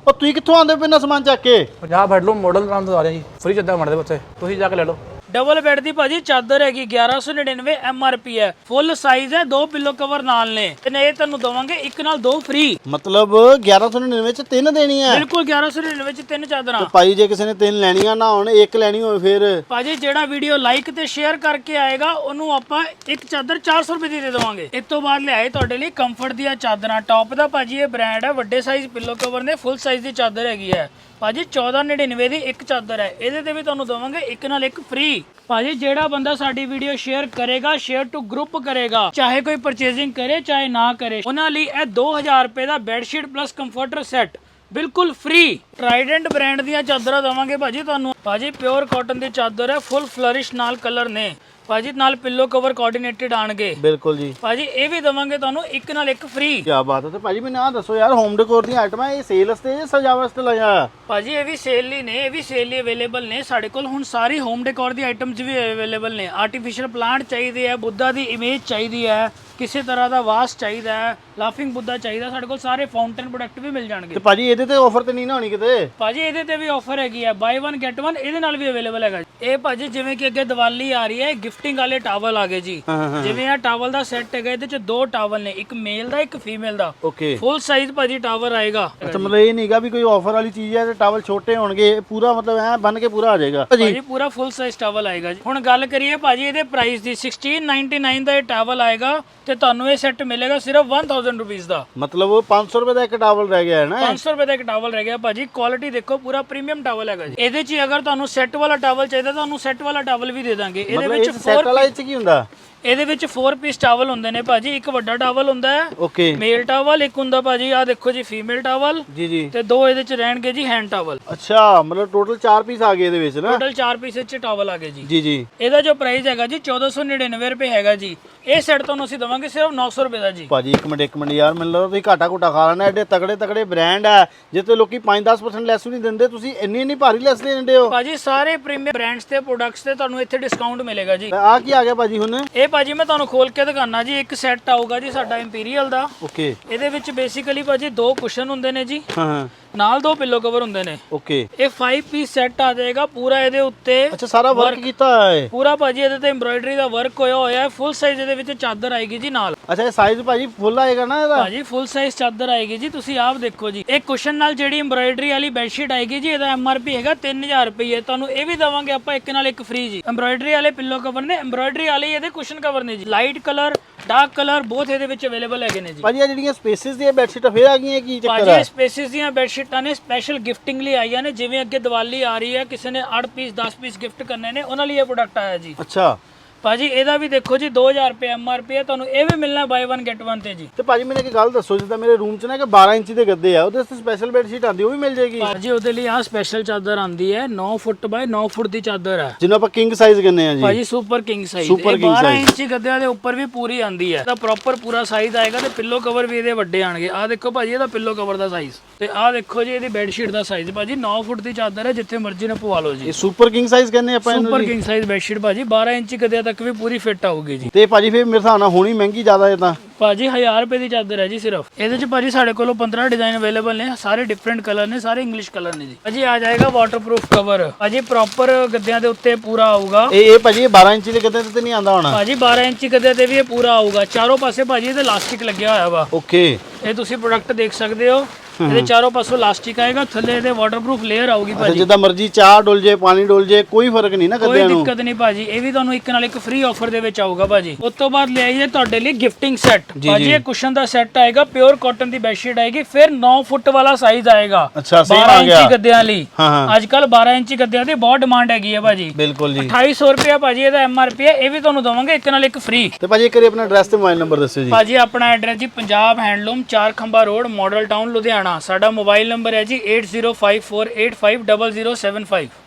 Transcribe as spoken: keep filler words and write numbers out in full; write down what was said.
ਉਹ ਤੁਸੀਂ ਕਿੱਥੋਂ ਆਉਂਦੇ ਪਏ ਨਾ ਸਮਾਨ ਚੱਕ ਕੇ? ਪੰਜਾਬ ਹੈਡਲੂਮ ਮਾਡਲ ਨਾਮ ਤੋਂ ਆ ਰਿਹਾ ਜੀ, ਫ੍ਰੀ ਚੱਦਰ ਬਣਦੇ ਬੱਚੇ, ਤੁਸੀਂ ਜਾ ਕੇ ਲੈ ਲਓ। डबल बेड दी भाजी चादर हैगी ग्यारह सौ नड़िनवे एम आर पी है, फुल साइज है, दो पिलो कवर नाल ने ते ये तुहानू दवांगे एक नाल दो फ्री। मतलब ग्यारह सौ नड़िनवे च तीन देनी है? बिल्कुल ग्यारह सौ नड़िनवे च तीन चादरां। ਤੇ ਭਾਈ ਜੇ ਕਿਸੇ ਨੇ ਤਿੰਨ ਲੈਣੀਆਂ ਨਾ ਹੁਣ ਇੱਕ ਲੈਣੀ ਹੋਵੇ ਫਿਰ? ਭਾਜੀ ਜਿਹੜਾ ਵੀਡੀਓ ਲਾਈਕ ਤੇ ਸ਼ੇਅਰ ਕਰਕੇ ਆਏਗਾ ਉਹਨੂੰ ਆਪਾਂ ਇੱਕ ਚਾਦਰ ਚਾਰ ਸੌ ਰੁਪਏ ਦੀ ਦੇ ਦੇਵਾਂਗੇ। ਇਸ ਤੋਂ ਬਾਅਦ ਲਿਆਏ ਤੁਹਾਡੇ ਲਈ ਕੰਫਰਟ ਦੀਆਂ ਚਾਦਰਾਂ, ਟੌਪ ਦਾ ਭਾਜੀ ਇਹ ਬ੍ਰਾਂਡ ਹੈ, ਵੱਡੇ ਸਾਈਜ਼ ਪਿੱਲੋ ਕਵਰ ਨੇ, ਫੁੱਲ ਸਾਈਜ਼ ਦੀ ਚਾਦਰ ਹੈਗੀ ਹੈ ਭਾਜੀ ਚੌਦਾਂ ਨੜਿਨਵੇਂ ਦੀ ਇੱਕ ਚਾਦਰ ਹੈ, ਇਹਦੇ ਤੇ ਵੀ ਤੁਹਾਨੂੰ ਦਵਾਂਗੇ ਇੱਕ ਨਾਲ ਇੱਕ ਫ੍ਰੀ। ਭਾਜੀ ਜਿਹੜਾ ਬੰਦਾ ਸਾਡੀ ਵੀਡੀਓ ਸ਼ੇਅਰ ਕਰੇਗਾ, ਸ਼ੇਅਰ ਟੂ ਗਰੁੱਪ ਕਰੇਗਾ, ਚਾਹੇ ਕੋਈ ਪਰਚੇਸਿੰਗ ਕਰੇ ਚਾਹੇ ਨਾ ਕਰੇ, ਉਹਨਾਂ ਲਈ ਇਹ ਦੋ ਹਜ਼ਾਰ ਰੁਪਏ ਦਾ ਬੈੱਡਸ਼ੀਟ ਪਲੱਸ ਕੰਫਰਟਰ ਸੈੱਟ ਬਿਲਕੁਲ ਫ੍ਰੀ। ਟਰਾਈਡੈਂਟ ਬ੍ਰਾਂਡ ਦੀਆਂ ਚਾਦਰਾਂ ਦਵਾਂਗੇ ਭਾਜੀ ਤੁਹਾਨੂੰ। ਭਾਜੀ ਪਿਓਰ ਕਾਟਨ ਦੀ ਚਾਦਰ ਹੈ, ਫੁੱਲ ਫਲਰਿਸ਼ ਨਾਲ ਕਲਰ ਨੇ ਭਾਜੀ, ਨਾਲ ਪਿੱਲੋ ਕਵਰ ਕੋਆਰਡੀਨੇਟਡ ਆਣਗੇ। ਬਿਲਕੁਲ ਜੀ ਭਾਜੀ ਇਹ ਵੀ ਦਵਾਂਗੇ ਤੁਹਾਨੂੰ ਇੱਕ ਨਾਲ ਇੱਕ ਫ੍ਰੀ। ਕੀ ਬਾਤ ਹੈ। ਤੇ ਭਾਜੀ ਮੈਨੂੰ ਆਹ ਦੱਸੋ ਯਾਰ, ਹੋਮ ਡੈਕੋਰ ਦੀਆਂ ਆਈਟਮਾਂ ਇਹ ਸੇਲ ਵਾਸਤੇ ਜਾਂ ਸਜਾਵਟ ਵਾਸਤੇ ਲਾਇਆ? ਭਾਜੀ ਇਹ ਵੀ ਸੇਲ ਲਈ ਨੇ, ਇਹ ਵੀ ਸੇਲ ਲਈ ਅਵੇਲੇਬਲ ਨੇ ਸਾਡੇ ਕੋਲ ਹੁਣ ਸਾਰੀ ਹੋਮ ਡੈਕੋਰ ਦੀ ਆਈਟਮਸ ਵੀ ਅਵੇਲੇਬਲ ਨੇ। ਆਰਟੀਫੀਸ਼ੀਅਲ ਪਲਾਂਟ ਚਾਹੀਦੇ ਆ, ਬੁੱਧਾ ਦੀ ਇਮੇਜ ਚਾਹੀਦੀ ਹੈ, ਕਿਸੇ ਤਰ੍ਹਾਂ ਦਾ ਵਾਸ ਚਾਹੀਦਾ ਹੈ, ਲਾਫਿੰਗ ਬੁੱਧਾ ਚਾਹੀਦਾ, ਸਾਡੇ ਕੋਲ ਸਾਰੇ ਫਾਊਂਟੇਨ ਪ੍ਰੋਡਕਟ ਵੀ ਮਿਲ ਜਾਣਗੇ। ਤੇ ਭਾਜੀ ਇਹਦੇ ਤੇ ਆਫਰ ਤੇ ਨਹੀਂ ਨਾ ਹੋਣੀ ਕਿਤੇ? ਭਾਜੀ ਇਹਦੇ ਤੇ ਵੀ ਆਫਰ ਹੈਗੀ ਹੈ, ਬਾਈ ਵਨ ਗੈਟ ਵਨ ਇਹਦੇ ਨਾਲ ਵੀ ਅਵੇਲੇਬਲ ਹੈਗਾ। ਇਹ ਭਾਜੀ ਜਿਵੇਂ ਕਿ ਅੱਗੇ ਦੀਵਾਲੀ ਆ ਰਹੀ ਹੈ, ਗਿਫਟਿੰਗ ਵਾਲੇ ਟਾਵਲ ਆ ਗਏ ਜੀ। ਜਿਵੇਂ ਇਹ ਟਾਵਲ ਦਾ ਸੈੱਟ ਹੈਗਾ, ਇਹਦੇ ਚ ਦੋ ਟਾਵਲ ਨੇ, ਇੱਕ ਮੇਲ ਦਾ ਇੱਕ ਫੀਮੇਲ ਦਾ, ਓਕੇ ਫੁੱਲ ਸਾਈਜ਼ ਭਾਜੀ ਟਾਵਲ ਆਏਗਾ। ਅੱਛਾ, ਮਤਲਬ ਇਹ ਨਹੀਂਗਾ ਵੀ ਕੋਈ ਆਫਰ ਵਾਲੀ ਚੀਜ਼ ਹੈ ਤੇ ਟਾਵਲ ਛੋਟੇ ਹੋਣਗੇ, ਪੂਰਾ ਮਤਲਬ ਐ ਬਨ ਕੇ ਪੂਰਾ ਆ ਜਾਏਗਾ ਭਾਜੀ, ਪੂਰਾ ਫੁੱਲ ਸਾਈਜ਼ ਟਾਵਲ ਆਏਗਾ ਜੀ। ਹੁਣ ਗੱਲ ਕਰੀਏ ਭਾਜੀ ਇਹਦੇ ਪ੍ਰਾਈਸ ਦੀ, ਸੋਲਾਂ ਨਾਈਨਟੀ ਨਾਈਨ ਦਾ ਇਹ ਟਾਵਲ ਆਏਗਾ ਤੇ ਤੁਹਾਨੂੰ ਇਹ ਸੈੱਟ ਮਿਲੇਗਾ ਸਿਰਫ ਇੱਕ ਹਜ਼ਾਰ ਰੁਪਏ ਦਾ। ਮਤਲਬ ਉਹ ਪੰਜ ਸੌ ਰੁਪਏ ਦਾ ਇੱਕ ਟਾਵਲ ਰਹਿ ਗਿਆ ਹੈ ਨਾ? ਪੰਜ ਸੌ ਰੁਪਏ ਦਾ ਇੱਕ ਟਾਵਲ ਰਹਿ ਗਿਆ ਭਾਜੀ। ਕੁਆਲਿਟੀ ਦੇਖੋ, ਪੂਰਾ ਪ੍ਰੀਮੀਅਮ ਟਾਵਲ ਹੈਗਾ ਜੀ। ਇਹਦੇ 'ਚ ਅਗਰ ਤੁਹਾਨੂੰ ਸੈੱਟ ਵਾਲਾ ਟਾਵਲ ਚਾਹੀਦਾ ਤੁਹਾਨੂੰ ਸੈੱਟ ਵਾਲਾ ਟਾਵਲ ਵੀ ਦੇ ਦਾਂਗੇ। ਇਹਦੇ ਵਿੱਚ ਸੈੱਟ ਵਾਲਾ ਇਹ 'ਚ ਕੀ ਹੁੰਦਾ? ਇਹਦੇ ਵਿੱਚ ਚਾਰ ਪੀਸ ਟਾਵਲ ਹੁੰਦੇ ਨੇ ਭਾਜੀ, ਇੱਕ ਵੱਡਾ ਟਾਵਲ ਹੁੰਦਾ ਹੈ ਓਕੇ ਮੇਲ ਟਾਵਲ, ਇੱਕ ਹੁੰਦਾ ਭਾਜੀ ਆ ਦੇਖੋ ਜੀ ਫੀਮੇਲ ਟਾਵਲ ਜੀ ਜੀ, ਤੇ ਦੋ ਇਹਦੇ 'ਚ ਰਹਿਣਗੇ ਜੀ ਹੈਂਡ ਟਾਵਲ। ਅੱਛਾ, ਮਤਲਬ ਟੋਟਲ ਚਾਰ ਪੀਸ ਆ ਗਏ ਇਹਦੇ ਵਿੱਚ ਨਾ? ਟੋਟਲ ਚਾਰ ਪੀਸ ਵਿੱਚ ਟਾਵਲ ਆ ਗਏ ਜੀ। ਜੀ ਜੀ। ਇਹਦਾ ਜੋ ਪ੍ਰਾਈਸ ਹੈਗਾ ਜੀ ਚੌਦਾਂ ਸੌ ਨੜਿਨਵੇਂ ਰੁਪਏ ਹੈਗਾ ਜੀ। ਇਹ ਸੈੱਟ ਤੁਹਾਨੂੰ ਅਸੀਂ ਦਵਾਂਗੇ ਸਿਰਫ ਨੌ ਸੌ ਰੁਪਏ ਦਾ ਜੀ। ਭਾਜੀ ਇੱਕ ਮਿੰਟ ਇੱਕ ਮਿੰਟ ਯਾਰ, ਮੈਨੂੰ ਲੱਗਦਾ ਤੁਸੀਂ ਘਾਟਾ ਘੁੱਟਾ ਖਾ ਲੈਣਾ। ਐਡੇ ਤਗੜੇ ਤਗੜੇ ਬ੍ਰਾਂਡ ਹੈ ਜਿੱਤੇ ਲੋਕੀ ਪੰਜ ਦਸ ਪਰਸੈਂਟ ਲੈਸ ਵੀ ਨਹੀਂ ਦਿੰਦੇ, ਤੁਸੀਂ ਇੰਨੀ ਇੰਨੀ ਭਾਰੀ ਲੈਸ ਦੇ ਦਿੰਦੇ ਹੋ। ਭਾਜੀ ਸਾਰੇ ਪ੍ਰੀਮੀਅਮ ਬ੍ਰਾਂਡਸ ਤੇ ਪ੍ਰੋਡਕਟਸ ਤੇ ਤੁਹਾਨੂੰ ਇੱਥੇ ਡਿਸਕਾਊਂਟ ਮਿਲੇਗਾ ਜੀ। ਆ ਕੀ ਆ ਗਿਆ ਭਾਜੀ ਹੁਣ? ਇਹ ਭਾਜੀ ਮੈਂ ਤੁਹਾਨੂੰ ਖੋਲ ਕੇ ਦਿਖਾਣਾ ਜੀ। ਇੱਕ ਸੈੱਟ ਆਊਗਾ ਜੀ ਸਾਡਾ ਇੰਪੀਰੀਅਲ ਦਾ। ਓਕੇ। ਇਹਦੇ ਵਿੱਚ ਬੇਸਿਕਲੀ ਭਾਜੀ ਦੋ ਕੁਸ਼ਨ ਹੁੰਦੇ ਨੇ ਜੀ, ਹਾਂ ਹਾਂ, ਨਾਲ ਦੋ ਪਿੱਲੋ ਕਵਰ ਹੁੰਦੇ ਨੇ। ਓਕੇ। ਇਹ ਪੰਜ ਪੀਸ ਸੈੱਟ ਆ ਜਾਏਗਾ ਪੂਰਾ। ਇਹਦੇ ਉੱਤੇ ਅੱਛਾ, ਸਾਰਾ ਵਰਕ ਕੀਤਾ ਹੈ ਪੂਰਾ ਭਾਜੀ, ਇਹਦੇ ਤੇ ਐਮਬ੍ਰਾਇਡਰੀ ਦਾ ਵਰਕ ਹੋਇਆ ਹੋਇਆ ਹੈ। ਫੁੱਲ ਸਾਈਜ਼ ਇਹਦੇ ਵਿੱਚ ਚਾਦਰ ਆਏਗੀ ਜੀ ਨਾਲ। ਅੱਛਾ, ਇਹ ਸਾਈਜ਼ ਭਾਜੀ ਫੁੱਲ ਆਏਗਾ ਨਾ ਇਹਦਾ? ਭਾਜੀ ਫੁੱਲ ਸਾਈਜ਼ ਚਾਦਰ ਆਏਗੀ ਜੀ, ਤੁਸੀਂ ਆਪ ਦੇਖੋ ਜੀ। ਇਹ ਕੁਸ਼ਨ ਨਾਲ ਜਿਹੜੀ ਐਮਬ੍ਰਾਇਡਰੀ ਵਾਲੀ ਬੈਡਸ਼ੀਟ ਆਏਗੀ ਜੀ, ਇਹਦਾ ਐਮ ਆਰ ਪੀ ਹੈਗਾ ਤਿੰਨ ਹਜ਼ਾਰ ਰੁਪਏ। ਤੁਹਾਨੂੰ ਇਹ ਵੀ ਦਵਾਂਗੇ ਆਪਾਂ ਇੱਕ ਨਾਲ ਇੱਕ ਫ੍ਰੀ ਜੀ। ਐਮਬ੍ਰਾਇਡਰੀ ਵਾਲੇ ਪਿੱਲੋ ਕਵਰ ਨੇ, ਐਮਬ੍ਰਾਇਡਰੀ ਵਾਲੇ ਇਹਦੇ ਕੁਸ਼ਨ ਕਵਰ ਨੇ ਜੀ। ਲਾਈਟ ਕਲਰ ਡਾਰਕ ਕਲਰ ਬਹੁਤ ਇਹਦੇ ਵਿੱਚ ਅਵੇਲੇਬਲ ਹੈਗੇ ਨੇ ਜੀ। ਭਾਜੀ ਇਹ ਜਿਹੜੀਆਂ ਸਪੇਸਿਸ ਦੀਆਂ ਬੈਡਸ਼ੀਟਾਂ ਫੇਰ ਆ ਗਈਆਂ, ਕੀ ਚੱਕਰ ਭਾਜੀ ਹੈ? ਸਪੇਸਿਸ ਦੀਆਂ ਬੈਡਸ਼ੀਟਾਂ ਨੇ ਸਪੈਸ਼ਲ ਗਿਫਟਿੰਗ ਲਈ ਆਈਆਂ ਨੇ। ਜਿਵੇਂ ਅੱਗੇ ਦੀਵਾਲੀ ਆ ਰਹੀ ਹੈ, ਕਿਸੇ ਨੇ ਅੱਠ ਪੀਸ ਦਸ ਪੀਸ ਗਿਫਟ ਕਰਨੇ ਨੇ, ਉਹਨਾਂ ਲਈ ਇਹ ਪ੍ਰੋਡਕਟ ਆਇਆ ਜੀ। ਅੱਛਾ ਭਾਜੀ ਇਹਦਾ ਵੀ ਦੇਖੋ ਜੀ ਦੋ ਹਜ਼ਾਰ ਰੁਪਏ ਐਮ ਆਰ ਪੀ ਹੈ, ਤੁਹਾਨੂੰ ਇਹ ਵੀ ਮਿਲਣਾ ਬਾਈ ਵਨ ਗੈਟ ਵਨ ਤੇ ਜੀ। ਤੇ ਭਾਜੀ ਮੈਨੂੰ ਇੱਕ ਗੱਲ ਦੱਸੋ, ਜਿੱਦਾਂ ਮੇਰੇ ਰੂਮ 'ਚ ਨਾ ਕਿ ਬਾਰਾਂ ਇੰਚੀ ਦੇ ਗੱਦੇ ਆ, ਉਹਦੇ ਵਾਸਤੇ ਸਪੈਸ਼ਲ ਬੈਡਸ਼ੀਟ ਆਉਂਦੀ, ਉਹ ਵੀ ਮਿਲ ਜਾਏਗੀ? ਭਾਜੀ ਉਹਦੇ ਲਈ ਆਹ ਸਪੈਸ਼ਲ ਚਾਦਰ ਆਂਦੀ ਹੈ, ਨੌ ਫੁੱਟ ਬਾਈ ਨੌ ਫੁੱਟ ਦੀ ਚਾਦਰ ਹੈ ਜਿਹਨੂੰ ਆਪਾਂ ਕਿੰਗ ਸਾਈਜ਼ ਕਹਿੰਦੇ ਆ ਜੀ। ਭਾਜੀ ਸੁਪਰ ਕਿੰਗ ਸਾਈਜ਼। ਸੁਪਰ ਇਹ ਕਿੰਗ ਬਾਰਾਂ ਸਾਈਜ਼ ਇੰਚੀ ਗੱਦਿਆਂ ਦੇ ਉੱਪਰ ਵੀ ਪੂਰੀ ਆਂਦੀ ਹੈ। ਇਹਦਾ ਪ੍ਰੋਪਰ ਪੂਰਾ ਸਾਈਜ਼ ਆਏਗਾ ਤੇ ਪਿੱਲੋ ਕਵਰ ਵੀ ਇਹਦੇ ਵੱਡੇ ਆਣਗੇ। ਆਹ ਦੇਖੋ ਭਾਜੀ ਇਹਦਾ ਪਿੱਲੋ ਕਵਰ ਦਾ ਸਾਈਜ਼, ਤੇ ਆਹ ਦੇਖੋ ਜੀ ਇਹਦੀ ਬੈਡਸ਼ੀਟ ਦਾ ਸਾਈਜ਼। ਭਾਜੀ ਨੌ ਫੁੱਟ ਦੀ ਚਾਦਰ ਹੈ, ਜਿੱਥੇ ਮਰਜ਼ੀ ਨਾ ਪਵਾ ਲਓ ਜੀ। ਇਹ ਸੁਪਰ ਕਿੰਗ ਸਾਈਜ਼ ਕਹਿੰਦੇ ਆਪਾਂ ਇਹਨੂੰ? ਸੁਪਰ ਕਿੰਗ ਸਾਈਜ਼ ਬੈਡਸ਼ੀਟ ਭਾਜੀ ਬਾਰਾਂ ਇੰਚੀ ਗੱਦਿਆਂ ਤੱਕ ਵੀ ਪੂਰੀ ਫਿੱਟ ਆਊਗੀ ਜੀ। ਤੇ ਭਾਜੀ ਫੇਰ ਮੇਰੇ ਹਿਸਾਬ ਨਾਲ ਹੋਣੀ ਮਹਿੰਗੀ ਜ਼ਿਆਦਾ ਹੈ ਤਾਂ? ਭਾਜੀ ਹਜ਼ਾਰ ਰੁਪਏ ਦੀ ਚਾਦਰ ਹੈ ਜੀ ਸਿਰਫ। ਇਹਦੇ ਚ ਭਾਜੀ ਸਾਡੇ ਕੋਲੋਂ ਪੰਦਰਾਂ ਡਿਜ਼ਾਈਨ ਅਵੇਲੇਬਲ ਨੇ, ਸਾਰੇ ਡਿਫਰੈਂਟ ਕਲਰ ਨੇ, ਸਾਰੇ ਇੰਗਲਿਸ਼ ਕਲਰ ਨੇ ਜੀ। ਭਾਜੀ ਆ ਜਾਏਗਾ ਵਾਟਰਪ੍ਰੂਫ ਕਵਰ। ਭਾਜੀ ਪ੍ਰੋਪਰ ਗੱਦਿਆਂ ਦੇ ਉੱਤੇ ਪੂਰਾ ਆਊਗਾ। ਇਹ ਇਹ ਭਾਜੀ ਬਾਰਾਂ ਇੰਚੀ ਦੇ ਗੱਦੇ ਤੇ ਨਹੀਂ ਆਂਦਾ ਹੋਣਾ? ਭਾਜੀ ਬਾਰਾਂ ਇੰਚੀ ਗੱਦਿਆਂ ਤੇ ਵੀ ਇਹ ਪੂਰਾ ਆਊਗਾ। ਚਾਰੋਂ ਪਾਸੇ ਭਾਜੀ ਇਹਦੇ ਇਲਾਸਟਿਕ ਲੱਗਿਆ ਹੋਇਆ ਵਾ। ਓਕੇ। ਇਹ ਤੁਸੀਂ ਪ੍ਰੋਡਕਟ ਦੇਖ ਸਕਦੇ ਹੋ, ਇਹਦੇ ਚਾਰੋਂ ਪਾਸੋਂ ਇਲਾਸਟਿਕ ਆਏਗਾ, ਥੱਲੇ ਇਹਦੇ ਵਾਟਰਪ੍ਰੂਫ ਲੇਅਰ ਆਊਗੀ ਭਾਜੀ। ਜਿੱਦਾਂ ਮਰਜ਼ੀ ਚਾਹ ਡੁੱਲ ਜੇ, ਪਾਣੀ ਡੁੱਲ ਜੇ, ਕੋਈ ਫਰਕ ਨਹੀਂ ਨਾ ਕੋਈ ਗੱਦਿਆਂ ਨੂੰ? ਦਿੱਕਤ ਨਹੀਂ ਭਾਜੀ। ਇਹ ਵੀ ਤੁਹਾਨੂੰ ਇੱਕ ਨਾਲ ਇੱਕ ਫ੍ਰੀ ਆਫਰ ਦੇ ਵਿੱਚ ਆਊਗਾ ਭਾਜੀ। ਉਸ ਤੋਂ ਬਾਅਦ ਲੈ ਆਈਏ ਤੁਹਾਡੇ ਲਈ ਗਿਫਟਿੰਗ ਸੈੱਟ। ਭਾਜੀ ਇਹ ਕੁਸ਼ਨ ਦਾ ਸੈੱਟ ਆਏਗਾ, ਪਿਓਰ ਕਾਟਨ ਦੀ ਬੈਡਸ਼ੀਟ ਆਏਗੀ, ਫਿਰ ਨੌ ਫੁੱਟ ਵਾਲਾ ਸਾਈਜ਼ ਆਏਗਾ। ਅੱਛਾ, ਸੇਮ ਬਾਰਾਂ ਆ ਗਿਆ ਇੰਚੀ ਗੱਦਿਆਂ ਲਈ। ਹਾਂ ਹਾਂ, ਅੱਜ ਕੱਲ ਬਾਰਾਂ ਇੰਚੀ ਗੱਦਿਆਂ ਦੀ ਬਹੁਤ ਡਿਮਾਂਡ ਹੈਗੀ ਹੈ ਭਾਜੀ। ਬਿਲਕੁਲ ਜੀ। ਅਠਾਈ ਸੌ ਰੁਪਏ ਭਾਜੀ ਇਹਦਾ ਐਮ ਆਰ ਪੀ ਹੈ। ਇਹ ਵੀ ਤੁਹਾਨੂੰ ਦਵਾਂਗੇ ਇੱਕ ਨਾਲ ਇੱਕ ਫ੍ਰੀ। ਤੇ ਭਾਜੀ ਇੱਕ ਵਾਰੀ ਆਪਣਾ ਐਡਰੈਸ ਤੇ ਮੋਬਾਈਲ ਨੰਬਰ ਦੱਸਿਓ ਜੀ। ਭਾਜੀ ਆਪਣਾ ਐਡਰੈਸ ਜੀ ਪੰਜਾਬ ਹੈਂਡਲੂਮ ਚਾਰ ਖੰਭਾ ਰੋਡ, ਮਾਡਲ ਟਾਊਨ, ਲੁਧਿਆਣਾ। ਸਾਡਾ ਮੋਬਾਈਲ ਨੰਬਰ ਹੈ ਜੀ eight zero five four eight five zero zero seven five।